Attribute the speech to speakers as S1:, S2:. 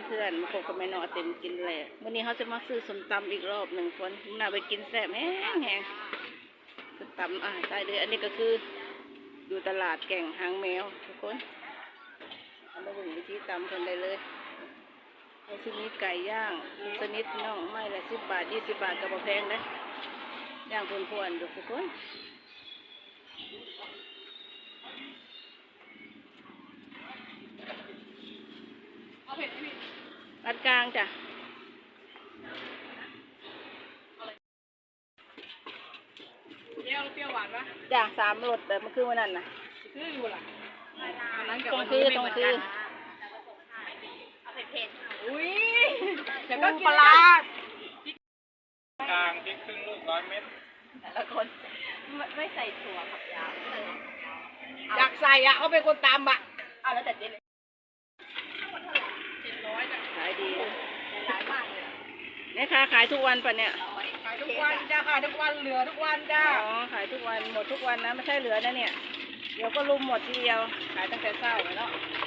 S1: เพื่อนๆมาพบกับแม่นอเต็มกินแหละวันนี้เขาจะมาซื้อส้มตำอีกรอบหนึ่งคนน่าไปกินแซ่บแห้งส้มตำใช่เลยอันนี้ก็คืออยู่ตลาดแก่งหางแมวทุกคนเอามาดูวิธีตำกันได้เลยเอาชนิดไก่ย่างชนิดน่องไม่ละ10 บาท20 บาทกับแพงนะย่างพวนๆดูทุกคนปานกลางจ้ะ
S2: เปรี้ยวหวานปะ
S1: จ้ะ3 รสแบบมันคือวันนั้นน่ะ
S2: คืออยู่ล่ะ
S1: ตรงคือเอาเผ็ด
S2: อุ้ยแต่ก็กิน
S1: ปลาก
S3: ลางพริกครึ่งลูก100 เม็ด
S1: แต่ละคนไม่ใส่ถั่วผักยาว
S2: อยากใส่อ่ะเขาเป็นคนตำอ่ะ
S1: เอาแล้วแต่เจ๊เลย
S2: 700จ้ะ
S1: ขายดี
S2: หลายมากเลย
S1: แม่ค้าขายทุกวันปะเนี่ย
S2: ขายทุกวันจ้าขายทุกวันเหลือทุกวันจ้า
S1: อ๋อขายทุกวันหมดทุกวันนะไม่ใช่เหลือนะเนี่ยเดี๋ยวก็รุมหมดทีเดียวขายตั้งแต่เช้าเลยเนาะ